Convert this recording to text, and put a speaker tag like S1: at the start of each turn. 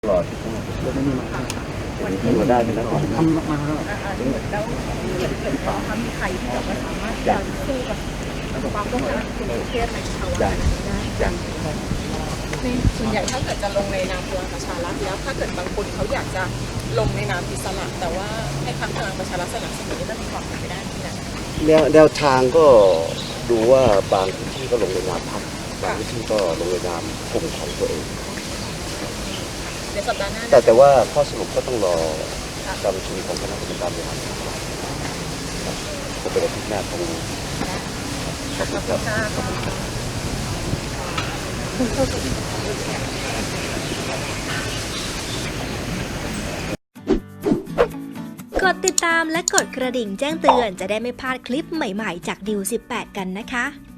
S1: ตลอด
S2: แล้วไม่มีมา
S1: มาได้เป็นนักข่าว
S2: ทำมาแล้ว
S3: แล้วมีใครที่แบบว่าสามารถจะสู้กับความต้องการของประเทศในภาวะนั้นได้ในส่วนใหญ่ถ้าเกิดจะลงในนามพลังประชารัฐแล้วถ้าเกิดบางคนเขาอยากจะลงในนามอิสระแต่ว่าให้พรรคพลังประชารัฐสนับสนุนนี่จะมีความเป็นไปได้ไหมนะ
S1: แนวทางก็ดูว่าบางพื้นที่ก็ลงในนามพรรคบางพื้นที่ก็ลงในนามกลุ่มของตัวเอง
S3: ในสัปดาห์หน้า
S1: แต่ว่าข้อสรุปก็ต้องรอการประชุมของคณะกรรมการบริหารพรรคก็เป็นอาทิตย์หน้าคงขอบคุณครับ
S4: กดติดตามและกดกระดิ่งแจ้งเตือนจะได้ไม่พลาดคลิปใหม่ๆจากดิว18กันนะคะ